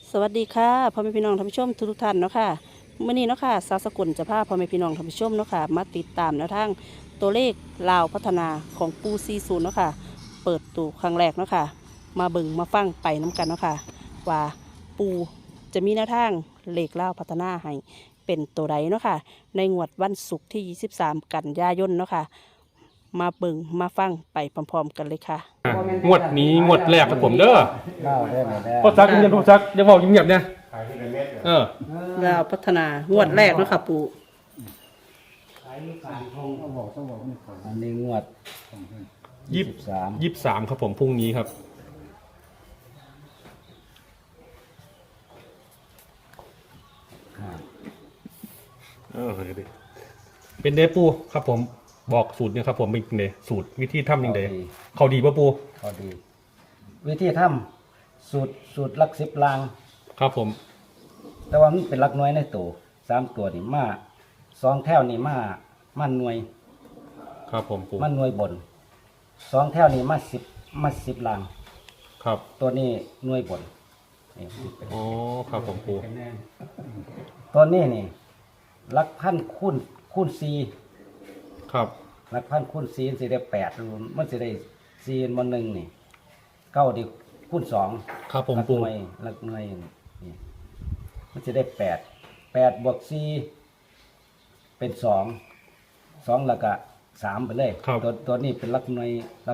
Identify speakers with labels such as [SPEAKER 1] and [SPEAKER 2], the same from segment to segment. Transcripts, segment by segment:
[SPEAKER 1] สวัสดีค่ะพ่อแม่พี่น้องท่านผู้ชมทุกท่านเนาะค่ะมื้อนี้เนาะค่ะสาวสกุลจะพาพ่อแม่พี่น้องท่านผู้ชมเนาะค่ะมาติดตามแนวทางตัวเลขลาวพัฒนาของปู40เนาะค่ะเปิดตัวครั้งแรกเนาะค่ะมาเบิ่งมาฟังไปน้กันเนาะค่ะว่าปูจะมีแนวทางเลขลาวพัฒนาให้เป็นตัวใดเนาะค่ะในงวดวันศุกร์ที่23กันยายนเนาะค่ะมาเบิ่งมาฟังไปพร้อมๆกันเลยค่ะ
[SPEAKER 2] งวดนี้งวดแรกครับผมเด้อ
[SPEAKER 3] เล่าได้ไหมได้
[SPEAKER 2] พ่อซักเงียบพ่อซักอย่าบอกเงียบๆเนี่ย
[SPEAKER 1] ลาวพัฒนางวดแรกเนาะค่ะปู
[SPEAKER 3] อันนี้งวด
[SPEAKER 2] 23ครับผมพรุ่งนี้ครับเป็นเดปูครับผมบอกสูตรเนี่ยครับผมเป็นเดสูตรวิธีทำยังไงเขาดีป่ะปู
[SPEAKER 3] พอดี วิธีทำสูตรลัก10ลาง
[SPEAKER 2] ครับผม
[SPEAKER 3] แต่ว่ามันเป็นลักน้อยในตัว3ตัวนี่มา2แถวนี่มาหน่วย
[SPEAKER 2] ครับผมปู
[SPEAKER 3] มาหน่วยบน2แถวนี่มา10ลาง
[SPEAKER 2] ครับ
[SPEAKER 3] ตัวนี้หน่วยบนนี่
[SPEAKER 2] อ๋อครับผมปู
[SPEAKER 3] ตัวนี้นี่ลักพันคูณ4
[SPEAKER 2] ครับ
[SPEAKER 3] ลักพันคูณ4มันสิได้8มันสิได้4บน1นี่9ดิคูณ2
[SPEAKER 2] ครับผมปู
[SPEAKER 3] ลักหน่วยนี่มันจะได้8บวก4เป็น2แล้วก็3ไปเลยตัวนี้เป็นลักหน่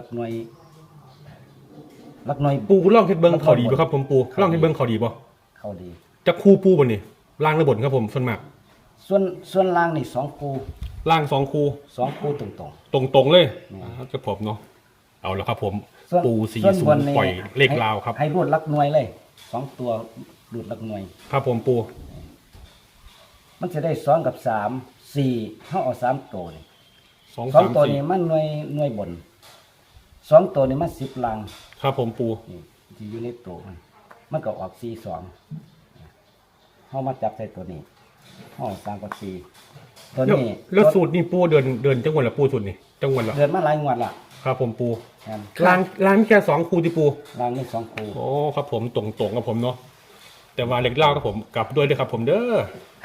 [SPEAKER 3] วย
[SPEAKER 2] ปูล่องเฮ็ดเบิ้งเขาดีป่ะครับผมปูล่องเฮ็ดเบิ้งเขาดีป่ะ
[SPEAKER 3] เขาดี
[SPEAKER 2] จะคู่ปูบ่นี่ล่างหรือบนครับผมส่วนมาก
[SPEAKER 3] ส่วนล่างนี่2คู่
[SPEAKER 2] ล่าง2คู่
[SPEAKER 3] ตรง
[SPEAKER 2] ตรงเลยจะผมเนาะเอาแล้วครับผมปู40ปล่อยเลขลาวครับ
[SPEAKER 3] ให้รูดลักหน่วยเลย2ตัวรูดลักหน่วย
[SPEAKER 2] ครับผมปู
[SPEAKER 3] มันจะได้2กับ3 4เฮาเอา3ตัวนี่2ตัวนี้มันหน่วยบน2ตัวนี้มัน10ลัง
[SPEAKER 2] ครับผมปู
[SPEAKER 3] นี่ที่อยู่ในตัวมันก็ออก42เฮามาจับใส่ตัวนี้เฮา3กับ4ตัวนี้
[SPEAKER 2] แล้วสูตรนี่ปูเดินจังหวัดละปูสูตรนี่จังหวัดละ
[SPEAKER 3] เดินมาหลายงวดละ
[SPEAKER 2] ครับผมปูล้างแค่2คู่ที่ปู
[SPEAKER 3] ล้างนี่2คู่
[SPEAKER 2] โอ้ครับผมตรงกับผมเนาะแต่ว่าเล็กเล่าครับผมกลับด้วยครับผมเด้อ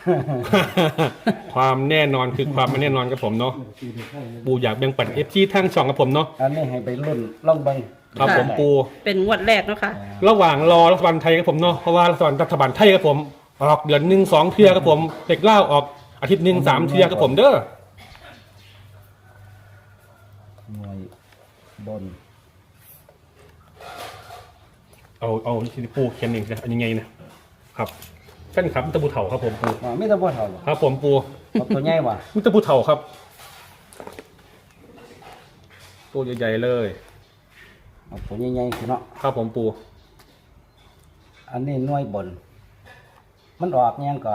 [SPEAKER 2] ความแน่นอนคือความไม่แน่นอนครับผมเนาะปูอยากแบ่งปันFCทั้งช่องกับผมเนาะ
[SPEAKER 3] อันนี้ให้ไปรุ่นลองเบิ่ง
[SPEAKER 2] ครับผมปู
[SPEAKER 1] เป็นงวดแรกเนาะค่ะ
[SPEAKER 2] ระหว่างรอรัฐบาลไทยครับผมเนาะเพราะว่ารัฐบาลไทยครับผมออกเดือน1 2เทื่อครับผมเล็กเล่าออกอาทิตย์1 3เทื่อครับผมเด้อ
[SPEAKER 3] หน่วยบน
[SPEAKER 2] เอาที่ปูเขียนเองนะอันยังไงนะครับแฟนครับมิตรภูเถาครับผมปู
[SPEAKER 3] ไม่ตะบัวเถา
[SPEAKER 2] ครับผมปู
[SPEAKER 3] ตัวใหญ่ว่ะ
[SPEAKER 2] มิตรภูเถาครับตัวใหญ่ๆเลย
[SPEAKER 3] ตัวใหญ่ๆคือเนาะ
[SPEAKER 2] ครับผมปู
[SPEAKER 3] อันนี้หน่วยบนมันออกยังก็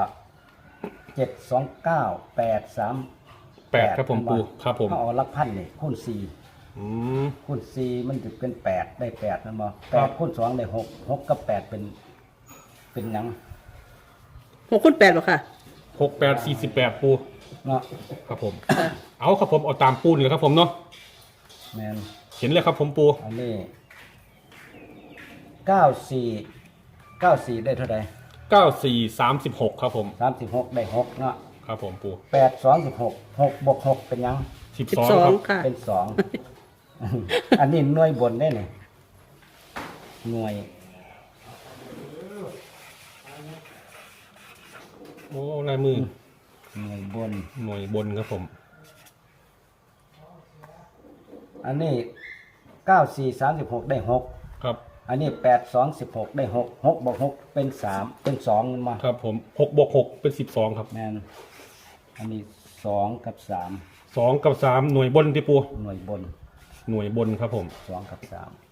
[SPEAKER 3] 729 838
[SPEAKER 2] ครับผมปูครับผม
[SPEAKER 3] เอาลักพันนี่คูณ4คูณ4มันจะเป็น8ได้8นั่นบ่8คูณ2ได้6กับ8เป็นหยัง
[SPEAKER 1] 6คูณ8บ่ค่ะ
[SPEAKER 2] 6 8 48ปู
[SPEAKER 3] เนาะ
[SPEAKER 2] ครับผมเอาครับผมเอาตามปูนเลยครับผมเนาะ
[SPEAKER 3] แม่น
[SPEAKER 2] เห็นเลยครับผมปู
[SPEAKER 3] อันนี้94ได้เท่าใด
[SPEAKER 2] 94 36ครับผม
[SPEAKER 3] 36ได้6เนาะ
[SPEAKER 2] ครับผมปู
[SPEAKER 3] 8 2 16 6บวก6เป็นหยัง
[SPEAKER 1] 12ค่ะ
[SPEAKER 3] เป็น2อันนี้หน่วยบนได้นี่หน่วย
[SPEAKER 2] โอ้ลายมือ
[SPEAKER 3] หน่วยบน
[SPEAKER 2] ครับผม
[SPEAKER 3] อันนี้94 36ได้6
[SPEAKER 2] ครับ
[SPEAKER 3] อันนี้8 2 16ได้6บวก6เป็น3เป็น2มา
[SPEAKER 2] ครับผม6บวก6เป็น12ครับ
[SPEAKER 3] แม่นอันนี้2กับ
[SPEAKER 2] 2กับ3หน่วยบนที่ปู
[SPEAKER 3] หน่วยบน
[SPEAKER 2] ครับผม
[SPEAKER 3] 2กับ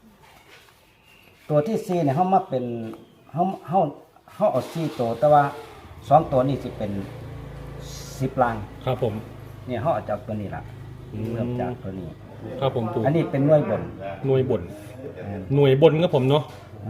[SPEAKER 3] 3ตัวที่4เนี่ยเฮามาเป็นเฮาเอา4ตัวแต่ว่า2ตัวนี้สิเป็น10ลัง
[SPEAKER 2] ครับผม
[SPEAKER 3] เนี่ยเฮาเอาจากตัวนี้ล่ะเริ่มจากตัวนี้
[SPEAKER 2] ครับผมปู
[SPEAKER 3] อันนี้เป็นหน่วยบน
[SPEAKER 2] ครับผมเนาะ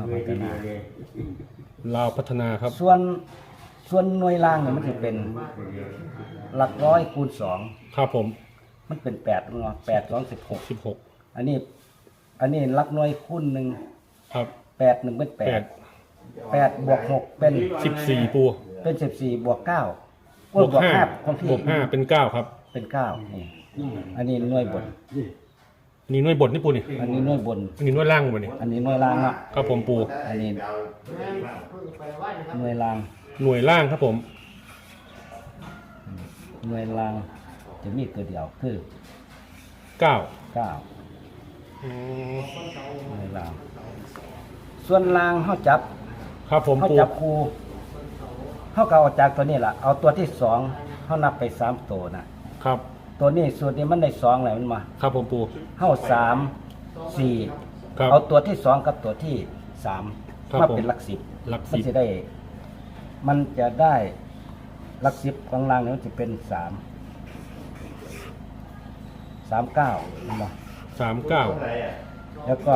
[SPEAKER 2] ลาวพัฒนาครับ
[SPEAKER 3] ส่วนหน่วยล่างเนี่ยมันจะเป็นหลักร้อยคูณ2
[SPEAKER 2] ครับผม
[SPEAKER 3] มันเป็น8เนาะ8 2 16อันนี้หลักหน่วยคูณ1ครับ8 1เป็น8 8 บวก 6 เป็น
[SPEAKER 2] 14 ปู
[SPEAKER 3] เป็น 14 บวก 9
[SPEAKER 2] บวก
[SPEAKER 3] 5
[SPEAKER 2] 5
[SPEAKER 3] ของพี่
[SPEAKER 2] บวก 5 เป็น 9 ครับ
[SPEAKER 3] เป็น 9 นี่ อันนี้หน่วยบน
[SPEAKER 2] นี่หน่วยบทนี่ปูนี่
[SPEAKER 3] อันนี้หน่วยบน
[SPEAKER 2] อันนี้หน่วยล่างบ่นี่
[SPEAKER 3] อันนี้หน่วยล่างเนาะ
[SPEAKER 2] ครับผมปู
[SPEAKER 3] อันนี้หน่วยล่าง
[SPEAKER 2] หน่วยล่างครับผม
[SPEAKER 3] หน่วยล่างจะมีตัวเดียวคือ
[SPEAKER 2] 9
[SPEAKER 3] 9
[SPEAKER 2] อืม
[SPEAKER 3] หน่วยล่าง ส่วนล่างเฮาจับ
[SPEAKER 2] ครับผม
[SPEAKER 3] เฮา
[SPEAKER 2] ปู
[SPEAKER 3] จับคู่เฮาก็เอาจากตัวนี้ล่ะเอาตัวที่2เฮานับไป3ตัวนะครับ ตัวนี้สูตรนี้มันได้2แล้วมันมา
[SPEAKER 2] ครับผมปู
[SPEAKER 3] เฮา3 4
[SPEAKER 2] ครับ
[SPEAKER 3] เอาตัวที่2กับตัวที่
[SPEAKER 2] ครับ
[SPEAKER 3] 3มาเป็นหลัก10
[SPEAKER 2] หลัก
[SPEAKER 3] มัน
[SPEAKER 2] 10
[SPEAKER 3] จะได้ มันจะได้หลัก10ข้างล่างนี่มันจะเป็น3 39เห็นบ่
[SPEAKER 2] 39
[SPEAKER 3] แล้วก็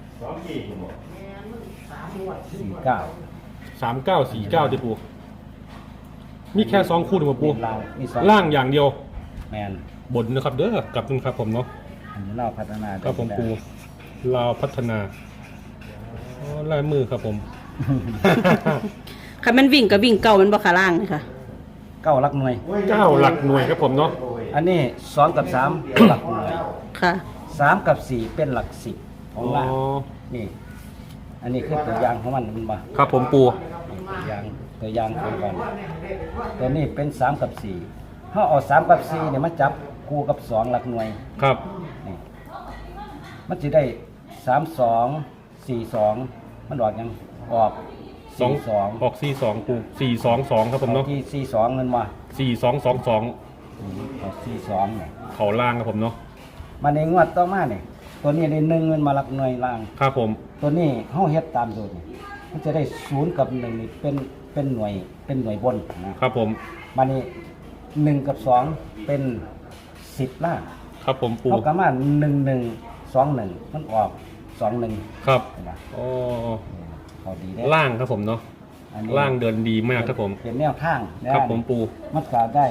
[SPEAKER 3] 49
[SPEAKER 2] 3949ดิปูมีแค่2คู่นี่บ่ปู
[SPEAKER 3] ล่างมี2
[SPEAKER 2] ล่างอย่างเดียว
[SPEAKER 3] แมน
[SPEAKER 2] บนนะครับเด้อกลับนึงครับผมเนาะ
[SPEAKER 3] อันนี้เราพัฒนา
[SPEAKER 2] ครับผมปูลาวพัฒนาอ๋อลายมือครับผม
[SPEAKER 1] ค่ะมันวิ่งกับวิ่งเก่ามันบ่ขาล่างนี่ค่ะ
[SPEAKER 3] เก้าหลักหน่วย
[SPEAKER 2] 9 หลักหน่วยครับผมเนาะ
[SPEAKER 3] อันนี้2กับ3เป็นหลักหน่วย
[SPEAKER 1] ค่ะ
[SPEAKER 3] 3กับ4เป็นหลัก10ของ
[SPEAKER 2] อ๋อ
[SPEAKER 3] ล่างนี่ อันนี้คือตัวอย่างของมันบ่
[SPEAKER 2] ครับผมปู
[SPEAKER 3] ตัวอย่างของมันตัวนี้เป็น3กับ4เฮาเอา3กับ4เนี่ยมาจับคู่กับ2หลักหน่วย
[SPEAKER 2] ครับ
[SPEAKER 3] นี่มันจะได้32 42มันออกยังออก
[SPEAKER 2] ออก
[SPEAKER 3] 42
[SPEAKER 2] 42ปู422ครับผมเนาะ
[SPEAKER 3] ที่42เงินมา
[SPEAKER 2] 4222
[SPEAKER 3] ออก42เนี่ย
[SPEAKER 2] เขาล่างครับผมเนาะ
[SPEAKER 3] มาในงวดต่อมาเนี่ยตัวนี้ได้1เงินมาหลักหน่วยล่าง
[SPEAKER 2] ครับผม
[SPEAKER 3] ตัวนี้เฮาเฮ็ดตามสูตรนี่มันจะได้0กับ1นี่เป็นหน่วยบนนะครับ
[SPEAKER 2] ผม
[SPEAKER 3] มานี่1กับ2เป็น10ล่าง
[SPEAKER 2] ครับผมปู
[SPEAKER 3] เท่ากับมา1121มันออก21
[SPEAKER 2] ครับ
[SPEAKER 3] เห็นป่ะ
[SPEAKER 2] อ๋อ
[SPEAKER 3] เขาดีได้
[SPEAKER 2] ล่างครับผมเนาะ
[SPEAKER 3] อันนี้
[SPEAKER 2] ล่างเดินดีมากครับผม
[SPEAKER 3] เป็นแนวทางนะครับ
[SPEAKER 2] ผมปู
[SPEAKER 3] มันก็ได้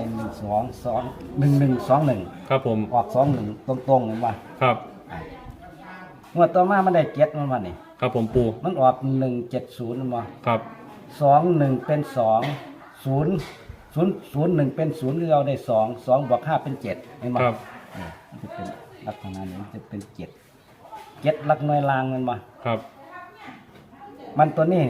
[SPEAKER 3] 1121
[SPEAKER 2] ครับผม
[SPEAKER 3] ออก21ตรงๆเห็นป่ะ
[SPEAKER 2] ครับ
[SPEAKER 3] งวดต่อมามันได้7มันมานี่
[SPEAKER 2] ครับผมปู
[SPEAKER 3] มันออก170มันมา
[SPEAKER 2] ครับ
[SPEAKER 3] 21เป็น2 0 เป็น0คือเราได้2 บวก5เป็น7เห็นป่ะ
[SPEAKER 2] ครับ
[SPEAKER 3] มันจะเป็นลักษณะนี้มันจะเป็น7หลักหน่วยล่างมันมา
[SPEAKER 2] ครับ
[SPEAKER 3] มันตัวนี้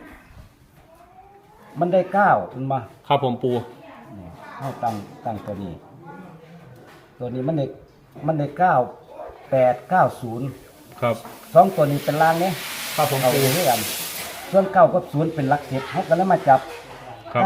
[SPEAKER 3] มันได้9มันมา
[SPEAKER 2] ครับผมปู
[SPEAKER 3] นี่เอาตั้งตัวนี้ ตัวนี้มันได้9890
[SPEAKER 2] ครับ
[SPEAKER 3] 2ตัวนี้เป็นล่างเนี่ย
[SPEAKER 2] ครับผม
[SPEAKER 3] เอา
[SPEAKER 2] ปู
[SPEAKER 3] ด้วยกันส่วน9กับ0เป็นหลัก10เขาก็เลยมาจับ
[SPEAKER 2] ครับ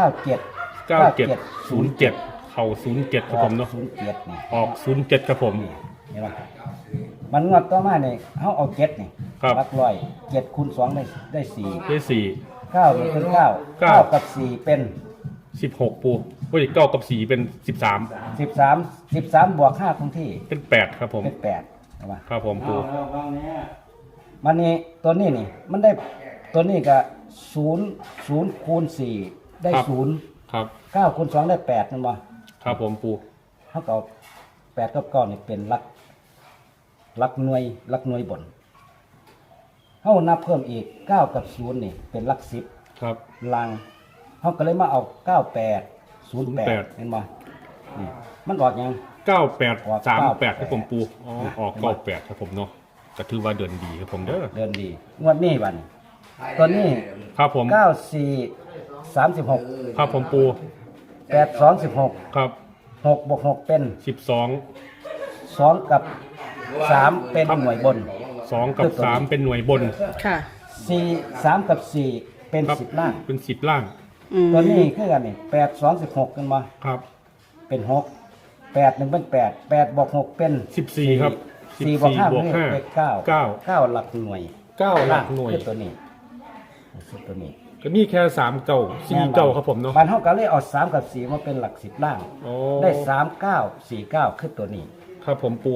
[SPEAKER 2] 9707 เข่า07ครับผมเนาะ
[SPEAKER 3] 07นี่
[SPEAKER 2] ออก07ครับผม
[SPEAKER 3] เห็นป่ะมันงวดต่อมาเนี่ยเขาเอา7นี่
[SPEAKER 2] ครับ
[SPEAKER 3] หลักร้อย7คูณ2ได้4
[SPEAKER 2] ได้
[SPEAKER 3] 9นี่เป็น9 9กับ4เป็น
[SPEAKER 2] 4 16ปูเฮ้ย9กับ4เป็น13
[SPEAKER 3] 13บวก5คงที่
[SPEAKER 2] เป็น8ครับผม
[SPEAKER 3] เป็น8เห็นป่ะ
[SPEAKER 2] ครับผมปู
[SPEAKER 3] มันนี่ตัวนี้นี่มันได้ตัวนี้ก็0คูณ4ได้
[SPEAKER 2] ครับ
[SPEAKER 3] 0
[SPEAKER 2] ครับ
[SPEAKER 3] 9คูณ2ได้8นั่นบ่
[SPEAKER 2] ครับผมปู
[SPEAKER 3] เขาก็เอา8กับ9นี่เป็นหลักหน่วยบนเขานับเพิ่มอีก9กับ0นี่เป็นหลัก10
[SPEAKER 2] ครับ
[SPEAKER 3] ล่างเขาก็เลยมาเอา9808เห็นบ่นี่มันออกยัง
[SPEAKER 2] 9838ครับผมปูอ๋อออก98ครับผมเนาะก็ถือว่าเดินดีครับผมเด้อ
[SPEAKER 3] เดินดีงวดนี้บัดนี้ตัวนี้
[SPEAKER 2] ครับผม
[SPEAKER 3] 94 36
[SPEAKER 2] ครับผมปู
[SPEAKER 3] 8 16
[SPEAKER 2] ครับ
[SPEAKER 3] 6บวก6เป็น
[SPEAKER 2] 12
[SPEAKER 3] 2กับ3เป็นหน่วยบน
[SPEAKER 2] 2กับ3เป็นหน่วยบน
[SPEAKER 1] ค่ะ
[SPEAKER 3] 4 3กับ4เป็น
[SPEAKER 2] ครับ
[SPEAKER 3] 10ล่าง
[SPEAKER 2] เป็น10ล่าง
[SPEAKER 1] อืม
[SPEAKER 3] ตัวนี้คือกันนี่8 2 16กันมา
[SPEAKER 2] ครับ
[SPEAKER 3] เป็น6 8 1เป็น8 8บวก6เป็น
[SPEAKER 2] 14ครับ
[SPEAKER 3] 4บวก5
[SPEAKER 2] บวก
[SPEAKER 3] เป็น9 9หลักหน่วย
[SPEAKER 2] 9หลักหน่วย
[SPEAKER 3] คือตัวนี้คือตัวนี้
[SPEAKER 2] ก็มีแค่3เก่า4เก่าครับผมเนาะ
[SPEAKER 3] บ้านเฮาก็เลยเอา3กับ4มาเป็นหลัก10ล่าง
[SPEAKER 2] โอ้
[SPEAKER 3] ได้3 9 4 9คือตัวนี้
[SPEAKER 2] ครับผมปู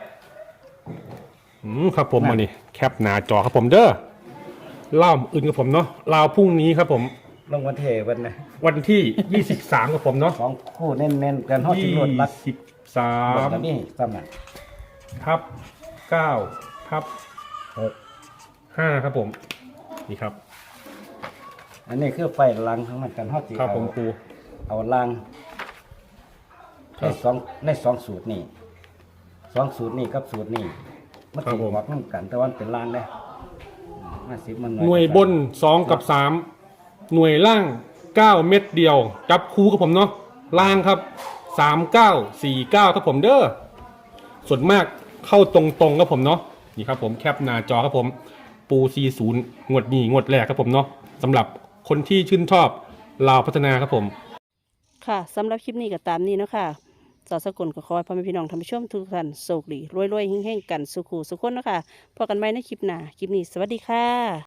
[SPEAKER 2] ครับผมมานี่แคปหน้าจอครับผมเด้อเล่าอื่นกับผมเนาะลาวพรุ่งนี้ครับผม
[SPEAKER 3] ลงวันเทวันนะ
[SPEAKER 2] วันที่ 23กับผมเนาะ
[SPEAKER 3] สองคู่เน้นๆกันเฮาสิรวดรัดบนกัน
[SPEAKER 2] 23
[SPEAKER 3] นี่ซ้ำน่ะ
[SPEAKER 2] ทับ9ทับ6 5ครับผมนี่ครับ
[SPEAKER 3] อันนี้คือไฟลังของมันกันเฮาสิ
[SPEAKER 2] ครับผมปู
[SPEAKER 3] เอาลัง
[SPEAKER 2] ครั
[SPEAKER 3] ใน
[SPEAKER 2] บ
[SPEAKER 3] สองสูตรนี่สูตรนี่กับสูตรนี่มัน
[SPEAKER 2] ครับ
[SPEAKER 3] สิ
[SPEAKER 2] ผม
[SPEAKER 3] ออกนำกันแต่ว่ามันเป็นลังเด้มันสิมัน
[SPEAKER 2] หน่วยบน2กับ3หน่วยล่าง9เม็ดเดียว จับคู่กับผมเนาะล่างครับ3949ครับผมเด้อส่วนมากเข้าตรงๆครับผมเนาะนี่ครับผมแคปหน้าจอครับผมปู40งวดนี้งวดแรกครับผมเนาะสำหรับคนที่ชื่นชอบลาวพัฒนาครับผม
[SPEAKER 1] ค่ะสำหรับคลิปนี้ก็ตามนี้เนาะค่ะสาวสกลก็ขอให้พ่อแม่พี่น้องท่านผู้ชมทุกท่านโชคดีรวยๆเฮงๆกันสุขุสุขคนเนาะค่ะพบกันใหม่ในคลิปหน้าคลิปนี้สวัสดีค่ะ